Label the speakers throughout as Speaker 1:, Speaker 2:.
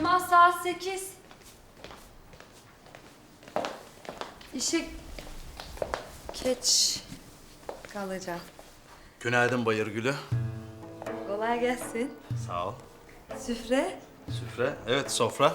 Speaker 1: Kemal saat 8. İşe geç kalacağım.
Speaker 2: Günaydın Bayırgül'ü.
Speaker 1: Kolay gelsin.
Speaker 2: Sağ ol.
Speaker 1: Süfre?
Speaker 2: Süfre, evet sofra.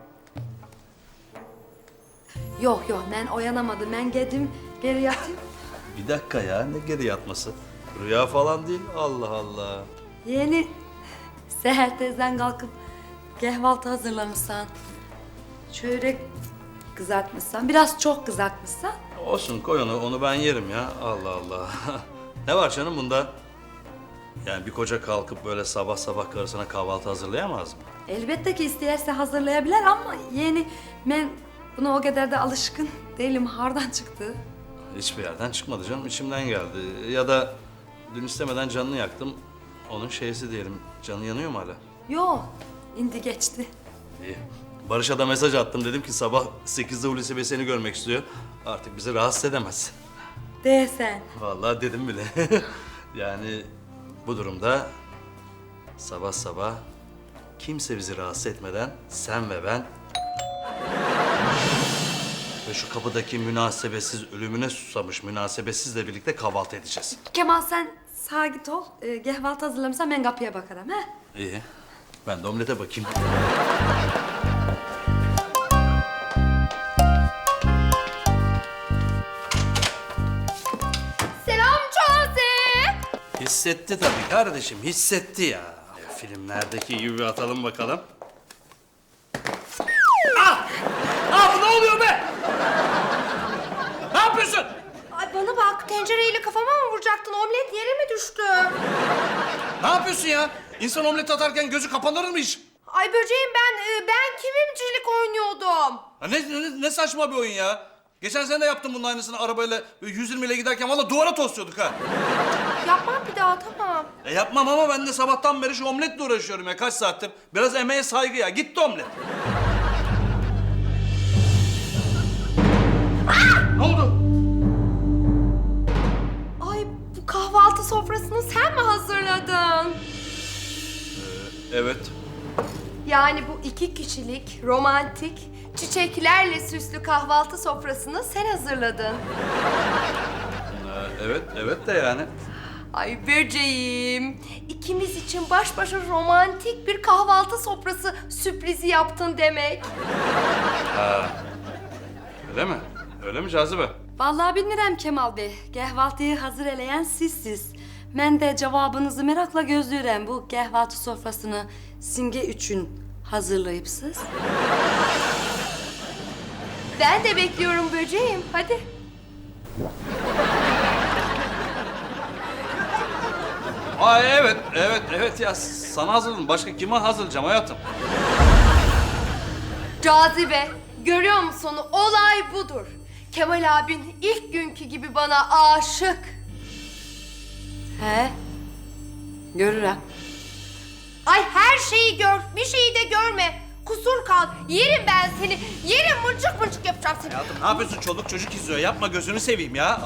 Speaker 1: Yok ben uyanamadım. Ben geldim geri yatayım.
Speaker 2: Bir dakika ya, ne geri yatması? Rüya falan değil, Allah Allah.
Speaker 1: Yeni seher tezden kalkıp kahvaltı hazırlamışsan. Çörek kızartmışsan. Biraz çok kızartmışsan.
Speaker 2: Olsun koy onu ben yerim ya, Allah Allah. Ne var canım bunda? Yani bir koca kalkıp böyle sabah sabah karısına kahvaltı hazırlayamaz mı?
Speaker 1: Elbette ki isterse hazırlayabilir ama yeni ben buna o kadar da alışkın değilim. Hardan çıktı.
Speaker 2: Hiçbir yerden çıkmadı canım, içimden geldi. Ya da dün istemeden canını yaktım. Onun şeysi diyelim, canı yanıyor mu hala?
Speaker 1: Yok, indi geçti.
Speaker 2: İyi. Barış'a da mesaj attım, dedim ki sabah 8'de Hulusi Bey seni görmek istiyor. Artık bizi rahatsız edemez.
Speaker 1: Değsen.
Speaker 2: Vallahi dedim bile. Yani bu durumda sabah sabah kimse bizi rahatsız etmeden sen ve ben ve şu kapıdaki münasebetsiz ölümüne susamış münasebetsizle birlikte kahvaltı edeceğiz.
Speaker 1: Kemal sen sağa git ol. Kahvaltı hazırlamışsan ben kapıya bakarım he.
Speaker 2: İyi. Ben de omlete bakayım.
Speaker 3: Selam Çağatay.
Speaker 2: Hissetti tabii kardeşim, hissetti ya. Filmlerdeki gibi atalım bakalım. Bu ne oluyor be? Ne yapıyorsun?
Speaker 3: Ay bana bak, tencereyle kafama mı vuracaktın? Omlet yere mi düştü?
Speaker 2: Ne yapıyorsun ya? İnsan omlet atarken gözü kapanır mı hiç?
Speaker 3: Ay böceğim ben kimimcilik oynuyordum.
Speaker 2: Ha ne saçma bir oyun ya. Geçen sene de yaptım bunun aynısını arabayla 120 ile giderken valla duvara tosluyorduk ha.
Speaker 3: Yapmam bir daha, tamam.
Speaker 2: Yapmam ama ben de sabahtan beri şu omletle uğraşıyorum ya kaç saattir. Biraz emeğe saygı ya. Gitti omlet. Ne oldu?
Speaker 3: Ay bu kahvaltı sofrasını sen mi hazırladın?
Speaker 2: Evet.
Speaker 3: Yani bu 2 kişilik, romantik, çiçeklerle süslü kahvaltı sofrasını sen hazırladın.
Speaker 2: Evet de yani.
Speaker 3: Ay böceğim, ikimiz için baş başa romantik bir kahvaltı sofrası sürprizi yaptın demek.
Speaker 2: Öyle mi? Öyle mi Cazibe?
Speaker 1: Vallahi bilmirəm Kemal Bey. Kahvaltıyı hazır eleyen sizsiz. Ben de cevabınızı merakla gözlüyorum. Bu kahvaltı sofrasını Simge üçün hazırlayıpsız.
Speaker 3: Ben de bekliyorum böceğim, hadi.
Speaker 2: Evet ya sana hazırladım. Başka kime hazırlayacağım hayatım?
Speaker 3: Cazibe, görüyor musun? Olay budur. Kemal abin ilk günkü gibi bana aşık.
Speaker 1: He? Görürüm.
Speaker 3: Ay her şeyi gör, bir şeyi de görme. Kusur kal, yerim ben seni. Yerim, mıncık mıncık yapacağım seni.
Speaker 2: Hayatım ne yapıyorsun? Çoluk çocuk izliyor. Yapma gözünü seveyim ya.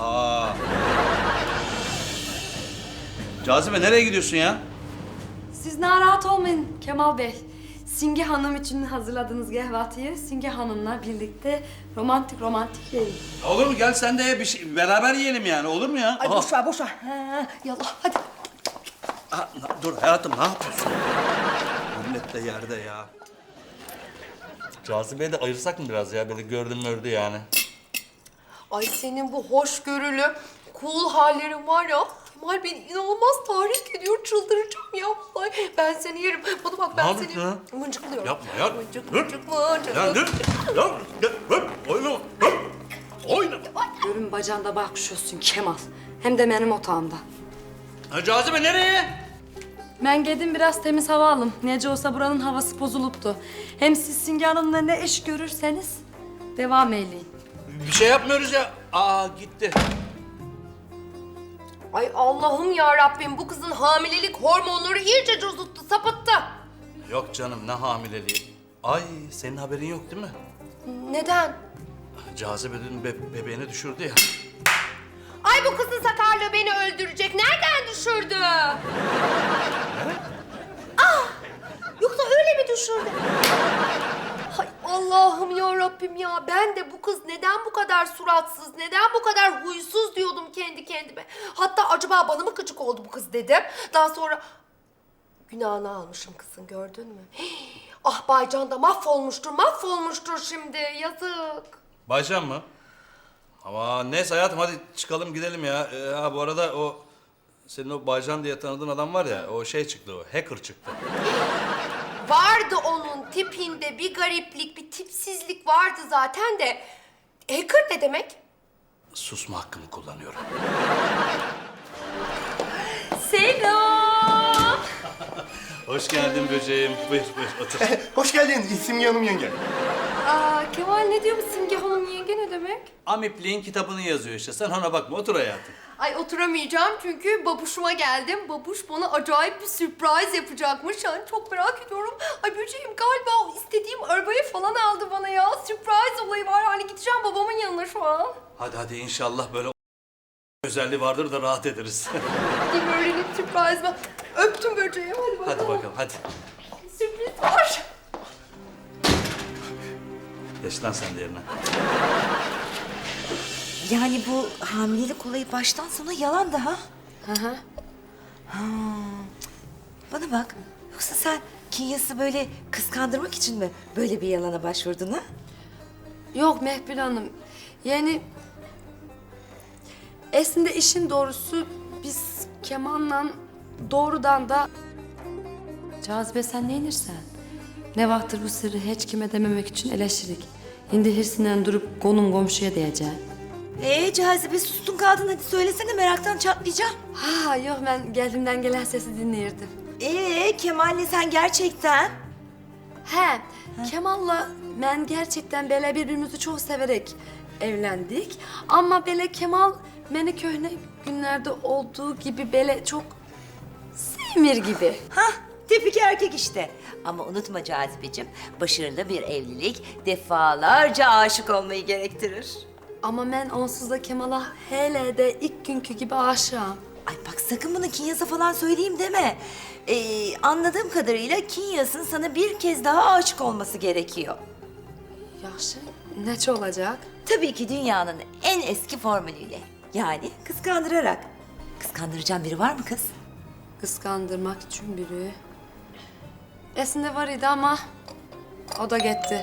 Speaker 2: Cazibe nereye gidiyorsun ya?
Speaker 1: Siz narahat olmayın Kemal Bey. Simge Hanım için hazırladığınız kahvaltıyı Simge Hanım'la birlikte romantik yiyin.
Speaker 2: Olur mu? Gel sen de bir şey beraber yiyelim yani. Olur mu ya?
Speaker 3: Ay boş ver, boş ver. Yallah, hadi.
Speaker 2: Dur hayatım ne yapıyorsun? Millet de yerde ya. Cazibe'yi de ayırsak mı biraz ya? Böyle gördü yani.
Speaker 3: Ay senin bu hoşgörülü, cool hallerin var ya. Kemal beni inanılmaz tahrik ediyor, çıldıracağım ya. Ay ben seni yerim. Bana bak ben
Speaker 2: Ne
Speaker 3: seni
Speaker 2: yapıyorsun
Speaker 3: mıncıklıyorum.
Speaker 2: Yapma ya.
Speaker 3: Mıncık
Speaker 2: Dur.
Speaker 3: mıncık mıncık.
Speaker 2: Ya dur. Oynama. Oynama.
Speaker 1: Görün bacağında bakışıyorsun Kemal. Hem de benim otağımda.
Speaker 2: Cazibe nereye?
Speaker 1: Ben geldim biraz temiz hava alım. Nece olsa buranın havası bozuluptu. Hem siz Simge Hanım'la ne iş görürseniz devam eyleyin.
Speaker 2: Bir şey yapmıyoruz ya. Gitti.
Speaker 3: Ay Allah'ım ya Rabbim, bu kızın hamilelik hormonları iyice cozuttu, sapıttı.
Speaker 2: Yok canım ne hamileliği. Ay senin haberin yok değil mi?
Speaker 3: Neden?
Speaker 2: Cazibe dün bebeğini düşürdü ya.
Speaker 3: Ay bu kızın sakarlığı beni öldürecek. Nereden düşürdü? Yoksa öyle mi düşürdü? Rabbim ya. Ben de bu kız neden bu kadar suratsız, neden bu kadar huysuz diyordum kendi kendime. Hatta acaba bana mı gıcık oldu bu kız dedim. Daha sonra günahını almışım kızın, gördün mü? Ah Baycan da mahvolmuştur şimdi. Yazık.
Speaker 2: Baycan mı? Ama neyse hayatım hadi çıkalım gidelim ya. Ha bu arada o senin o Baycan diye tanıdığın adam var ya o şey çıktı o hacker çıktı.
Speaker 3: Vardı onun tipinde bir gariplik, bir tipsizlik vardı zaten de. Hacker ne demek?
Speaker 2: Susma hakkımı kullanıyorum.
Speaker 1: Selam.
Speaker 2: Hoş geldin böceğim. Buyur otur.
Speaker 4: Hoş geldin Simge Hanım yenge.
Speaker 3: Aa, Kemal ne diyor bu Simge Hanım yenge ne demek?
Speaker 2: Amipliğin kitabını yazıyor işte. Sen ona bakma otur hayatım.
Speaker 3: Ay oturamayacağım çünkü babuşuma geldim. Babuş bana acayip bir sürpriz yapacakmış. Yani çok merak ediyorum. Ay böceğim galiba o istediğim arabayı falan aldı bana ya. Sürpriz olayı var. Hani gideceğim babamın yanına şu an.
Speaker 2: Hadi inşallah böyle özelliği vardır da rahat ederiz.
Speaker 3: Gideyim öğrenip sürpriz var. Öptüm böceğim hadi bakalım.
Speaker 2: Hadi bakalım hadi.
Speaker 3: Sürpriz var.
Speaker 2: Geç lan sen de yerine.
Speaker 5: Yani bu hamilelik olayı baştan sona yalan da ha?
Speaker 3: Hı.
Speaker 5: Bana bak, yoksa sen Kinyas'ı böyle kıskandırmak için mi böyle bir yalana başvurdun ha?
Speaker 1: Yok Mehpil Hanım. Yani aslında işin doğrusu biz Kemal'la doğrudan da Cazibe sen ne inirsen? Ne vakttir bu sırrı hiç kime dememek için eleştirik. Şimdi hırsinden durup konum komşuya diyeceksin.
Speaker 5: Cazibe sustun kaldın, hadi söylesene, meraktan çatlayacağım.
Speaker 1: Ha yok ben geldiğimden gelen sesi dinleyirdim.
Speaker 5: Kemal'le sen gerçekten?
Speaker 1: He, Kemal'la ben gerçekten böyle birbirimizi çok severek evlendik. Ama böyle Kemal beni köhne günlerde olduğu gibi böyle çok sevmir gibi.
Speaker 5: Hah, tipik erkek işte. Ama unutma Cazibeciğim, başarılı bir evlilik defalarca aşık olmayı gerektirir.
Speaker 1: Ama ben onsuz da Kemal'a hele de ilk günkü gibi aşığım.
Speaker 5: Ay bak sakın bunu Kinyas'a falan söyleyeyim deme. Anladığım kadarıyla Kinyas'ın sana bir kez daha aşık olması gerekiyor.
Speaker 1: Yaşı neçe olacak?
Speaker 5: Tabii ki dünyanın en eski formülüyle. Yani kıskandırarak. Kıskandıracağın biri var mı kız?
Speaker 1: Kıskandırmak için biri. Esinde var idi ama o da gitti.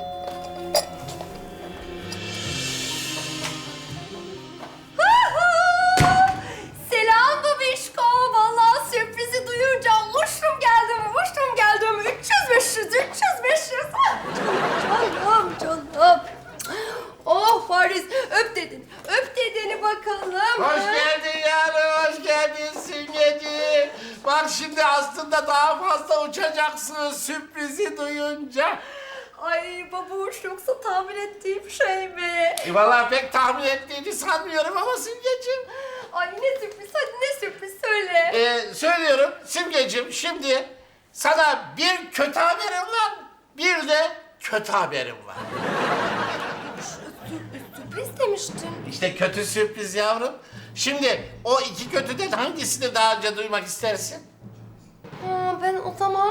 Speaker 3: Selam babişko. Vallahi sürprizi duyunca uçtum geldim. 300 500. Canım. Oh Paris öp dedeni bakalım.
Speaker 6: Hoş geldin yavrum, hoş geldin Simgeciğim. Bak şimdi aslında daha fazla uçacaksın sürprizi duyunca.
Speaker 3: Ay babuş yoksa tahmin ettiğim şey mi?
Speaker 6: Vallahi pek tahmin ettiğini sanmıyorum ama Simgeciğim.
Speaker 3: Ay ne sürpriz, hadi ne sürpriz söyle.
Speaker 6: Söylüyorum Simgeciğim, şimdi sana bir kötü haberim var, bir de kötü haberim var.
Speaker 3: Sürpriz demiştin.
Speaker 6: İşte kötü sürpriz yavrum. Şimdi o iki kötüden hangisini daha önce duymak istersin?
Speaker 3: Ben o zaman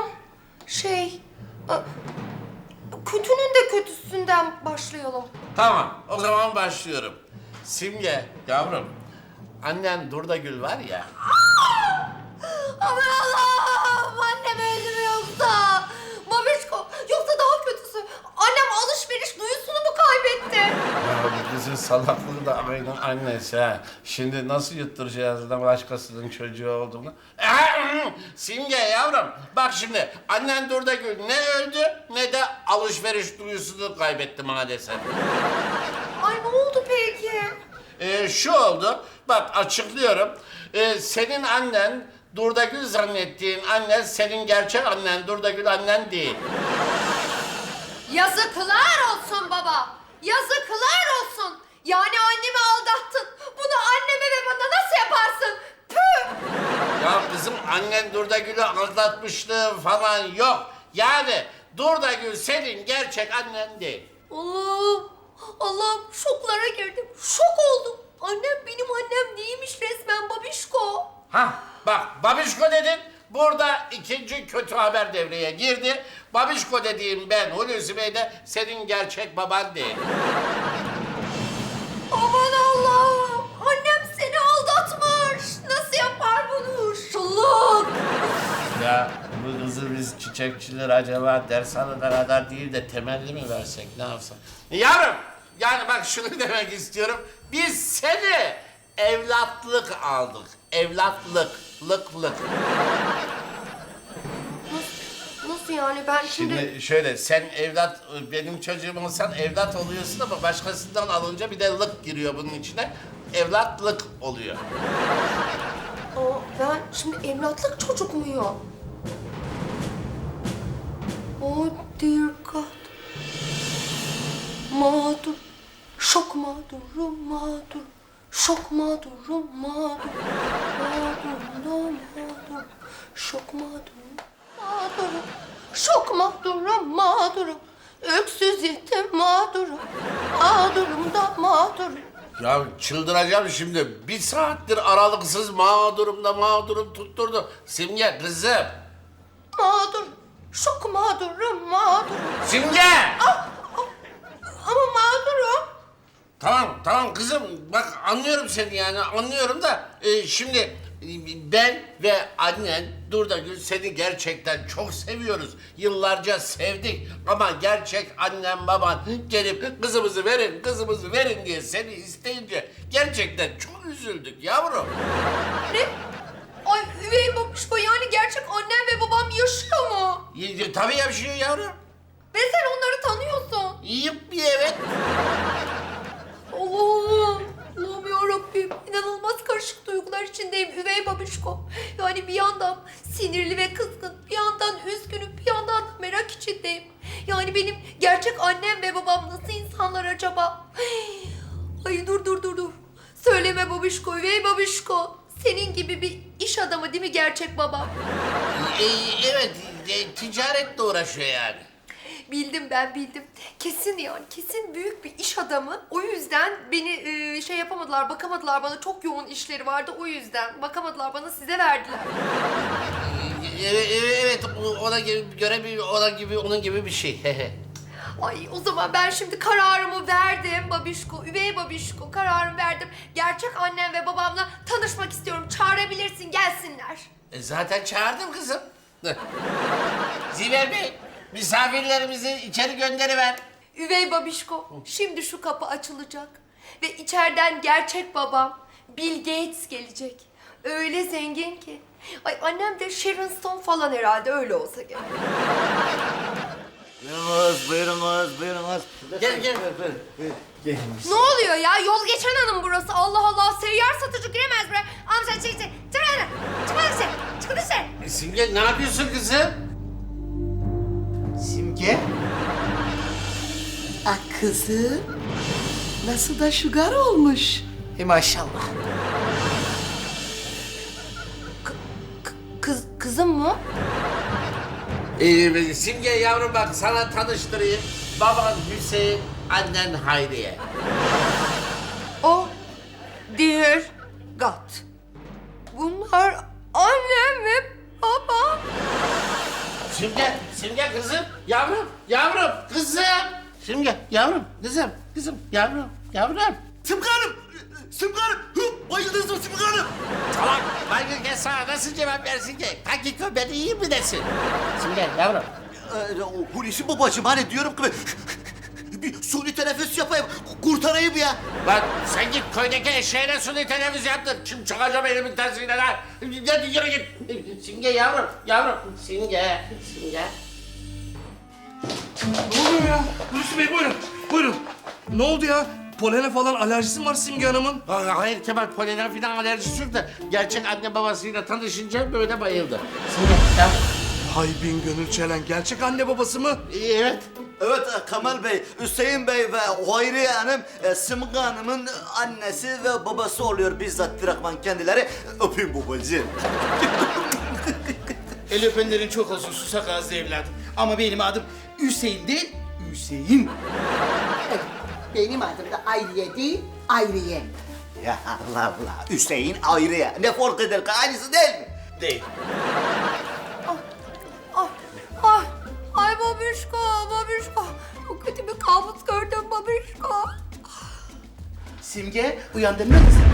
Speaker 3: kötünün de kötüsünden başlayalım.
Speaker 6: Tamam, o zaman başlıyorum. Simge, yavrum, annen Durdagül var ya.
Speaker 3: Aman Allah'ım! Annem öldü mü yoksa? Babişko, yoksa daha kötüsü. Annem alışveriş duyusunu mu kaybetti?
Speaker 6: Ya bu kızın salaklığı da aynı annesi ha. Şimdi nasıl yutturacağız da başkasının çocuğu olduğunu? Simge yavrum, bak şimdi annen Durdagül ne öldü ne de alışveriş duyusunu kaybetti maalesef.
Speaker 3: Ay ne oldu peki?
Speaker 6: Şu oldu, bak açıklıyorum. Senin annen Durdagül zannettiğin annen senin gerçek annen Durdagül annen değil.
Speaker 3: Yazıklar olsun baba. Yazıklar olsun. Yani annemi aldattın. Bunu anneme ve bana nasıl yaparsın? Püh!
Speaker 6: Ya kızım annen Durdagül'ü aldatmışlığı falan yok. Yani Durdagül senin gerçek annen değil.
Speaker 3: Allah'ım şoklara girdim. Şok oldum. Annem benim annem değilmiş resmen babişko.
Speaker 6: Hah bak babişko dedin. Burada ikinci kötü haber devreye girdi. Babişko dediğim ben Hulusi Bey de senin gerçek baban değil.
Speaker 3: Aman Allah'ım! Annem seni aldatmış. Nasıl yapar bunu? Şulluk!
Speaker 6: Ya bu kızı biz çiçekçiler acaba dershanede kadar değil de temelli mi versek ne yapsak? Yavrum yani bak şunu demek istiyorum. Biz seni evlatlık aldık. Evlatlık, lık.
Speaker 3: Nasıl yani ben
Speaker 6: Şimdi şöyle sen evlat benim çocuğum olsan evlat oluyorsun ama başkasından alınca bir de lık giriyor bunun içine. Evlatlık oluyor.
Speaker 3: Ben şimdi evlatlık çocuk muyum? Oh dear God. Mağdur. Şok mağdurum mağdur. Şok mağdurum mağdur. Mağdurum mağdur. Şok mağdurum mağdurum. Şok mağdurum mağdurum. Öksüz yetim mağdurum. Mağdurum da mağdurum.
Speaker 6: Ya çıldıracağım şimdi. Bir saattir aralıksız mağdurum tutturdu. Simge kızım.
Speaker 3: Mağdur. Şok mağdurum mağdurum.
Speaker 6: Simge!
Speaker 3: Ama mağdurum.
Speaker 6: Tamam kızım. Bak anlıyorum seni yani anlıyorum da şimdi ben ve annen Durdagül seni gerçekten çok seviyoruz. Yıllarca sevdik ama gerçek annem baban gelip kızımızı verin diye seni isteyince gerçekten çok üzüldük yavrum.
Speaker 3: Ne? Ay üvey babuşko yani gerçek annem ve babam yaşıyor mu?
Speaker 6: Tabii yaşıyor yavrum.
Speaker 3: Ve sen onları tanıyorsun.
Speaker 6: Yiyip bir evet.
Speaker 3: Allah'ım yarabbim. İnanılmaz karışık duygular içindeyim üvey babuşko. Yani bir yandan sinirli ve kızgın, bir yandan üzgünüm, bir yandan da merak içindeyim. Yani benim gerçek annem ve babam nasıl insanlar acaba? Ay dur. Söyleme babuşko, üvey babuşko. Senin gibi bir iş adamı değil mi gerçek babam?
Speaker 6: Evet, ticaretle uğraşıyor yani.
Speaker 3: Bildim. Kesin büyük bir iş adamı. O yüzden beni şey yapamadılar, bakamadılar bana. Çok yoğun işleri vardı o yüzden. Bakamadılar bana, size verdiler.
Speaker 6: Evet, onun gibi bir şey.
Speaker 3: Ay o zaman ben şimdi kararımı verdim babişko, üvey babişko. Kararımı verdim. Gerçek annem ve babamla tanışmak istiyorum. Çağırabilirsin, gelsinler.
Speaker 6: Zaten çağırdım kızım. Ziver Bey, misafirlerimizi içeri gönderiver.
Speaker 3: Üvey babişko, şimdi şu kapı açılacak. Ve içeriden gerçek babam, Bill Gates gelecek. Öyle zengin ki. Ay annem de Sharon Stone falan herhalde, öyle olsa gerek.
Speaker 7: Buyurunuz.
Speaker 6: Gel.
Speaker 3: Ne oluyor ya? Yol geçen hanım burası. Allah Allah, seyyar satıcı giremez buraya. Amca çık. Çık hadi. Çık dışarı.
Speaker 6: Simge ne yapıyorsun kızım?
Speaker 7: Simge. Ah kızım. Nasıl da şugar olmuş. Maşallah.
Speaker 3: Kızım mı?
Speaker 6: Simge yavrum bak sana tanıştırayım. Baban Hüseyin, annen Hayriye.
Speaker 3: Oh dear God. Bunlar annem ve babam.
Speaker 6: Simge kızım, yavrum, kızım. Simge, yavrum, kızım, yavrum.
Speaker 4: Simge Hanım! Bayıldınız mı Simge Hanım?
Speaker 6: Salak, baygın sana nasıl cevap versin ki? Hakiko beni iyi mi desin? Simge, yavrum.
Speaker 4: Hulusi babacığım hani diyorum ki bir suni teneffüs yapayım, kurtarayım ya.
Speaker 6: Lan sen git köydeki eşeğine suni teneffüs yaptır. Şimdi çakacağım elimin tersiyle lan. Hadi yürü git. Simge yavrum. Simge.
Speaker 2: Ne oluyor ya? Hulusi Bey buyurun. Ne oldu ya? Polene falan alerjisi mi var Simge Hanım'ın?
Speaker 6: Hayır Kemal, polenen falan alerjisi yok da gerçek anne babasıyla tanışınca böyle bayıldı.
Speaker 2: Hay bin gönül çelen, gerçek anne babası mı?
Speaker 6: Evet.
Speaker 8: Evet Kemal Bey, Hüseyin Bey ve Hayriye Hanım Simge Hanım'ın annesi ve babası oluyor bizzat direktman kendileri. Öpeyim babacığım.
Speaker 7: El öpenlerin çok olsun susak ağızlı evladım. Ama benim adım Hüseyin değil, Hüseyin.
Speaker 9: Benim adım da Ayriye değil, Ayriye.
Speaker 8: Ya Allah Allah, Hüseyin Hayriye. Ne fark eder ki aynısı değil mi?
Speaker 7: Değil. Simge uyandın mı kızım?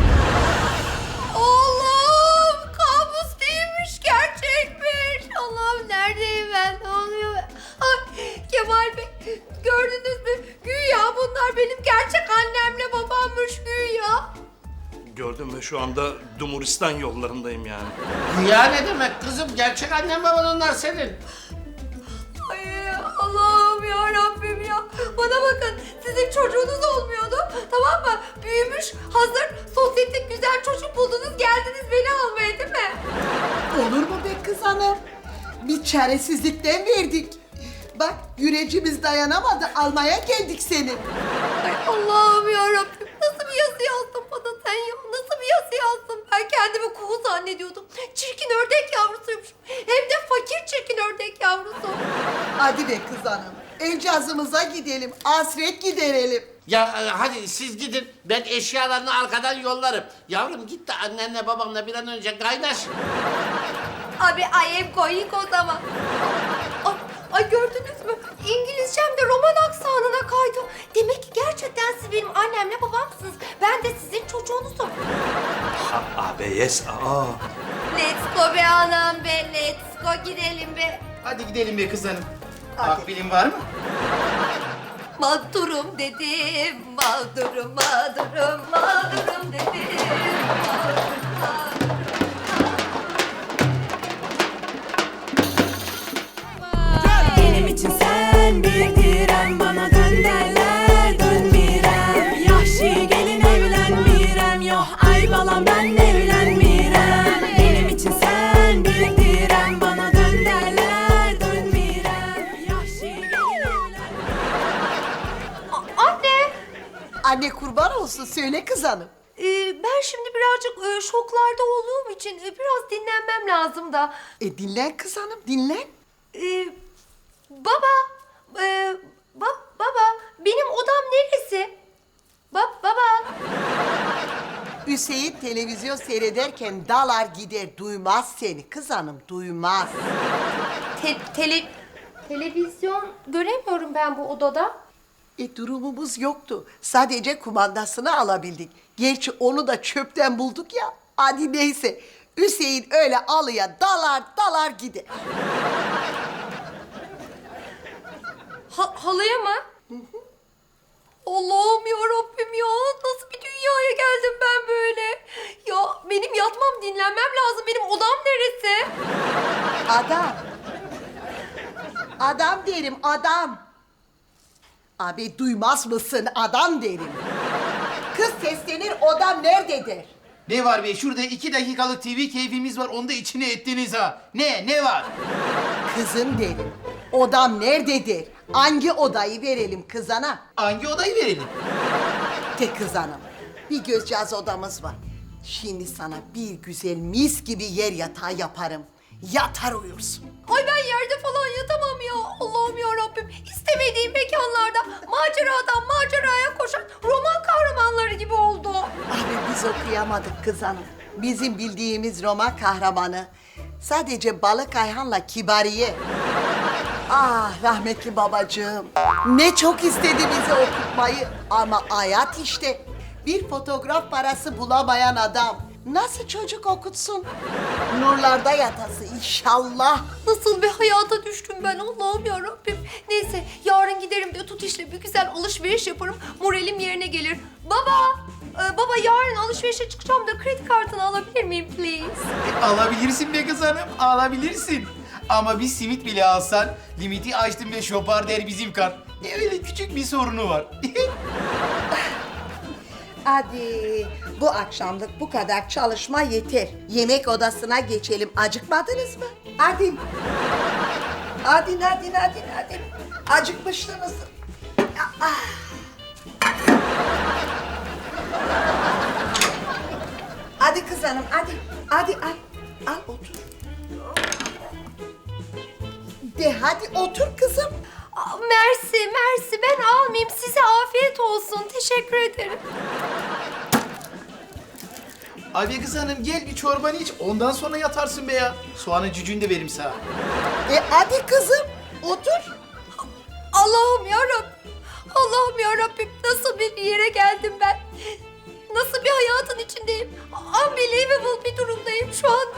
Speaker 3: Allah'ım kabus değilmiş, gerçekmiş. Allah'ım neredeyim ben? Ne oluyor? Ay, Kemal Bey gördünüz mü? Güya bunlar benim gerçek annemle babammış güya.
Speaker 2: Gördüm ve şu anda Dumuristan yollarındayım yani.
Speaker 6: Ya ne demek kızım? Gerçek annen baban onlar senin.
Speaker 3: Ay Allah'ım ya Rabbim ya. Bana bakın sizin çocuğunuz olmuyordu. Tamam mı? Büyümüş hazır sosyetik güzel çocuk buldunuz geldiniz beni almaya değil mi?
Speaker 9: Olur mu be kız hanım? Bir çaresizlikten verdik. Bak yürecimiz dayanamadı, almaya geldik seni.
Speaker 3: Ay Allah'ım ya Rabbim. Nasıl bir yazı yazdın bana sen ya? Nasıl bir yazı yazdın? Ben kendimi kuğu zannediyordum. Çirkin ördek yavrusuymuşum. Hem de fakir çirkin ördek yavrusu.
Speaker 9: Hadi be kız hanım. Encazımıza gidelim, hasret giderelim.
Speaker 6: Ya hadi siz gidin. Ben eşyalarını arkadan yollarım. Yavrum git de annenle babanla bir an önce kaynaş.
Speaker 3: Abi I am going o zaman. Ay gördünüz mü? İngilizcem de Roman aksanına kaydı. Demek ki gerçekten siz benim annemle babamsınız. Ben de sizin çocuğunuzum.
Speaker 2: Abi yes. Aa.
Speaker 3: Let's go be anam be. Let's go gidelim be.
Speaker 7: Hadi gidelim be kız hanım. Akbilin var mı?
Speaker 3: Mağdurum dedim. Mağdurum, mağdurum, mağdurum dedim.
Speaker 10: Benim için sen bir direm, bana dön derler dönmirem. Yahşi gelin evlenmirem, yok ay balam ben evlenmirem. Benim için sen bir direm, bana dön derler dönmirem. Yahşi gelin evlenmirem.
Speaker 3: Anne.
Speaker 9: Anne kurban olsun, söyle kız hanım.
Speaker 3: Ben şimdi birazcık şoklarda olduğum için biraz dinlenmem lazım da.
Speaker 9: Dinlen kız hanım, dinlen.
Speaker 3: Baba, baba, benim odam neresi? Baba.
Speaker 9: Hüseyin televizyon seyrederken dalar gider, duymaz seni kız hanım, duymaz.
Speaker 3: Televizyon göremiyorum ben bu odada.
Speaker 9: Durumumuz yoktu. Sadece kumandasını alabildik. Gerçi onu da çöpten bulduk ya. Hadi neyse. Hüseyin öyle alıya dalar gider.
Speaker 3: Halıya mı? Allah'ım ya Rabbim ya. Nasıl bir dünyaya geldim ben böyle? Ya benim yatmam, dinlenmem lazım. Benim odam neresi?
Speaker 9: Adam. Adam derim, adam. Abi duymaz mısın? Adam derim. Kız seslenir, odam nerededir?
Speaker 7: Ne var be? Şurada 2 dakikalık TV keyfimiz var. Onu da içine ettiniz ha. Ne var?
Speaker 9: Kızım derim. Odam nerededir? Hangi odayı verelim kızana?
Speaker 7: Hangi odayı verelim?
Speaker 9: De kız hanım. Bir gözcağız odamız var. Şimdi sana bir güzel mis gibi yer yatağı yaparım. Yatar uyursun.
Speaker 3: Ay ben yerde falan yatamam ya. Allah'ım ya Rabbim. İstemediğim mekanlarda maceradan maceraya koşan roman kahramanları gibi oldu.
Speaker 9: Abi biz okuyamadık kız hanım. Bizim bildiğimiz roman kahramanı sadece Balık Ayhan'la Kibariye. Ah rahmetli babacığım. Ne çok istedi bizi okutmayı. Ama hayat işte. Bir fotoğraf parası bulamayan adam nasıl çocuk okutsun? Nurlarda yatası inşallah.
Speaker 3: Nasıl bir hayata düştüm ben Allah'ım ya Rabbim. Neyse yarın giderim de tutişle bir güzel alışveriş yaparım. Moralim yerine gelir. Baba yarın alışverişe çıkacağım da kredi kartını alabilir miyim please?
Speaker 7: Alabilirsin be kız hanım, alabilirsin. Ama bir simit bile alsan limiti açtım ve şopar der bizim kart. Öyle küçük bir sorunu var.
Speaker 9: Hadi bu akşamlık bu kadar çalışma yeter. Yemek odasına geçelim. Acıkmadınız mı? Hadi. Hadi. Acıkmıştınız. Ah. Hadi kız hanım, hadi. Hadi al otur. De hadi otur kızım.
Speaker 3: Mersi ben almayayım. Size afiyet olsun. Teşekkür ederim.
Speaker 7: Abi kız hanım gel bir çorbanı iç, ondan sonra yatarsın be ya. Soğanı cücüğünü de veririm sana.
Speaker 9: Hadi kızım otur.
Speaker 3: Allah'ım ya Rabbim. Nasıl bir yere geldim ben? nasıl bir hayatın içindeyim? Unbelievable bir durumdayım şu anda.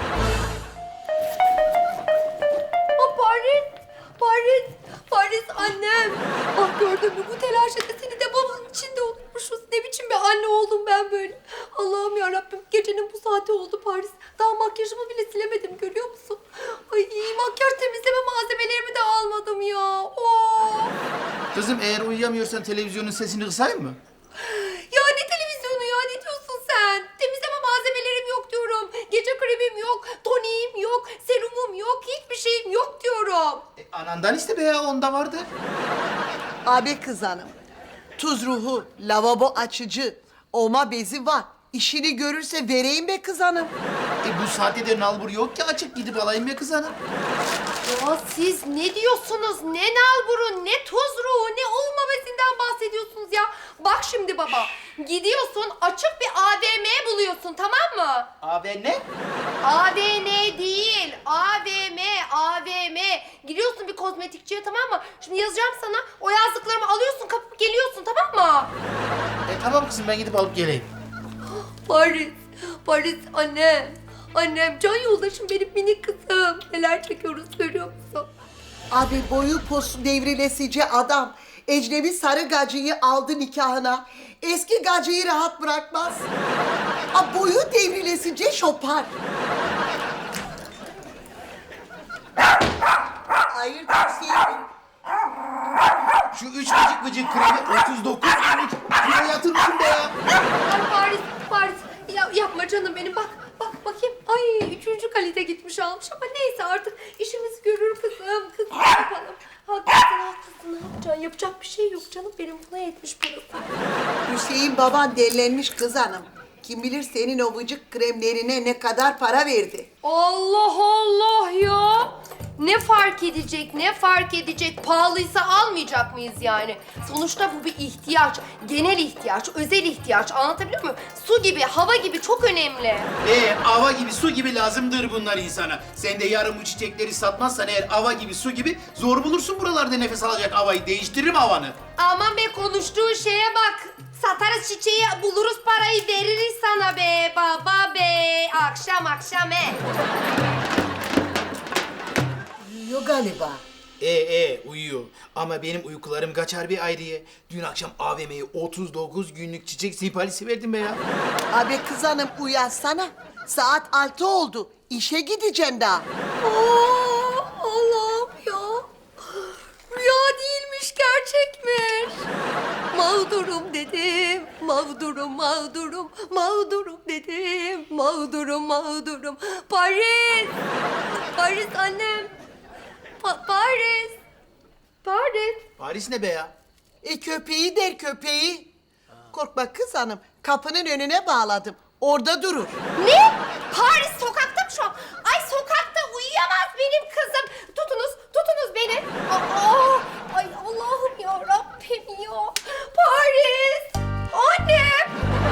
Speaker 3: Paris annem. Ah gördün mü bu telaşede seni de babanın içinde unutmuşuz. Ne biçim bir anne oldum ben böyle. Allah'ım yarabbim gecenin bu saati oldu Paris. Daha makyajımı bile silemedim görüyor musun? Ay makyaj temizleme malzemelerimi de almadım ya.
Speaker 7: Kızım eğer uyuyamıyorsan televizyonun sesini kısayım mı?
Speaker 3: Ya ne televizyonu ya ne diyorsun sen? Temizleme malzemelerim yok diyorum. Gece kremim yok, toniğim yok, serumum yok, hiçbir şeyim yok diyorum.
Speaker 7: Anandan iste be ya, onda vardır.
Speaker 9: Abi kız hanım, tuz ruhu, lavabo açıcı, oma bezi var. İşini görürse vereyim be kız hanım.
Speaker 7: Bu saatte de nalbur yok ki, açık gidip alayım be kız hanım.
Speaker 3: Ya siz ne diyorsunuz? Ne nalburu, ne tuz ruhu, ne olma bezinden bahsediyorsunuz ya? Bak şimdi baba, gidiyorsun açık bir AVM buluyorsun tamam mı?
Speaker 7: Abi ne?
Speaker 3: AVM değil, AVM. Gidiyorsun bir kozmetikçiye tamam mı? Şimdi yazacağım sana, o yazdıklarımı alıyorsun, kapıp geliyorsun tamam mı?
Speaker 7: Tamam kızım, ben gidip alıp geleyim.
Speaker 3: Paris annem, can yoldaşım benim minik kızım. Neler çekiyoruz görüyor musun?
Speaker 9: Abi boyu posu devrilesici adam. Ecnebi sarı gacıyı aldı nikahına. Eski gacıyı rahat bırakmaz. Boyu devrilesici şopar. Hayırdır Hüseyin?
Speaker 7: Şu 3 vıcık kremi 39 günlük kilo yatırmışım be ya.
Speaker 3: Ay Paris. Ya, yapma canım benim bak bakayım. Ay 3. kalite gitmiş almış ama neyse artık işimizi görür kızım. Kız ne yapalım? Haklısın ne yapacaksın? Yapacak bir şey yok canım benim buna yetmiş parası.
Speaker 9: Hüseyin baban delilenmiş kız hanım. Kim bilir senin o vıcık kremlerine ne kadar para verdi.
Speaker 3: Allah ya. Ne fark edecek? Pahalıysa almayacak mıyız yani? Sonuçta bu bir ihtiyaç. Genel ihtiyaç, özel ihtiyaç. Anlatabiliyor muyum? Su gibi, hava gibi çok önemli.
Speaker 7: Ava gibi su gibi lazımdır bunlar insana. Sen de yarın bu çiçekleri satmazsan eğer ava gibi su gibi zor bulursun buralarda nefes alacak havayı. Değiştiririm havanı.
Speaker 3: Aman be konuştuğun şeye bak. Satarız çiçeği, buluruz parayı, veririz sana be baba be. Akşam he.
Speaker 9: Uyuyor galiba.
Speaker 7: Uyuyor. Ama benim uykularım kaçar bir ayrıya. Dün akşam AVM'ye 39 günlük çiçek siparişi verdim be ya.
Speaker 9: Abi kız hanım uyansana. Saat 6 oldu. İşe gideceksin daha.
Speaker 3: Allah'ım ya. Rüya değilmiş, gerçekmiş. Mağdurum dedim, mağdurum dedim, mağdurum. Paris annem. Paris.
Speaker 7: Paris ne be ya?
Speaker 9: Köpeği der köpeği. Korkma kız hanım. Kapının önüne bağladım. Orada durur.
Speaker 3: Ne? Paris sokakta mı şu an? Ay sokakta uyuyamaz benim kızım. Tutunuz beni. Ay Allah'ım ya Rabbim ya. Paris. Annem.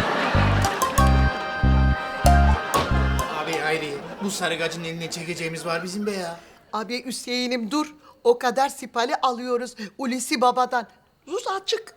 Speaker 7: Abi Hayri, bu sarı gacın eline çekeceğimiz var bizim be ya.
Speaker 9: Abi Hüseyin'im dur. O kadar sipali alıyoruz Hulusi babadan. Sus açık.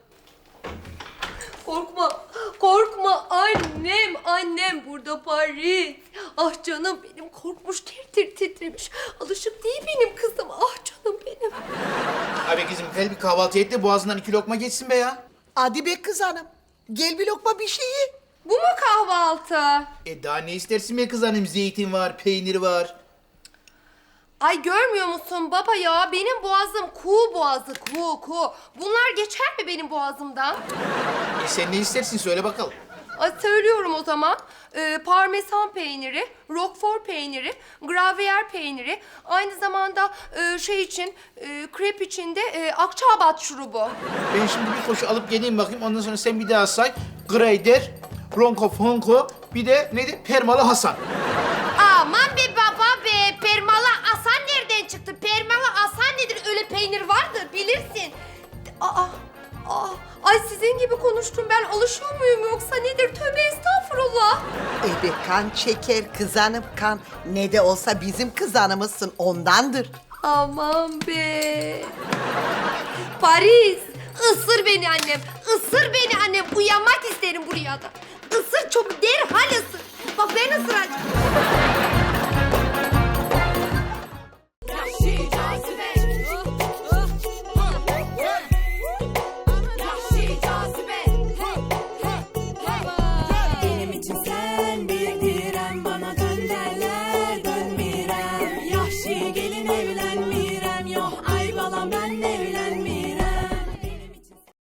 Speaker 3: Korkma annem burada Paris. Ah canım benim korkmuş tir titremiş. Alışık değil benim kızım. Ah canım benim.
Speaker 7: Abi kızım gel bir kahvaltı et de boğazından 2 lokma geçsin be ya.
Speaker 9: Hadi be kız hanım. Gel bir lokma bir şey ye.
Speaker 3: Bu mu kahvaltı?
Speaker 7: Daha ne istersin be kız hanım? Zeytin var, peynir var.
Speaker 3: Ay görmüyor musun baba ya? Benim boğazım kuğu boğazı, kuğu. Bunlar geçer mi benim boğazımdan?
Speaker 7: Sen ne istersin söyle bakalım.
Speaker 3: Ay, söylüyorum o zaman. Parmesan peyniri, roquefort peyniri, gravyer peyniri, aynı zamanda krep için de akçaabat şurubu.
Speaker 7: Ben şimdi bir koşu alıp geleyim bakayım. Ondan sonra sen bir daha say. Greyder, Ronco Fonco, bir de neydi? Permalı Hasan.
Speaker 3: Aman be baba be, permalı asan nereden çıktı? Permalı asan nedir? Öyle peynir vardır bilirsin. Ay sizin gibi konuştum ben. Alışıyor muyum yoksa nedir? Tövbe estağfurullah.
Speaker 9: Ebe kan çeker kız hanım kan. Ne de olsa bizim kız hanımızsın ondandır.
Speaker 3: Aman be. Paris, ısır beni annem. Uyanmak isterim bu rüyada. Isır çabuk derhal ısır. Bak ben ısıracağım.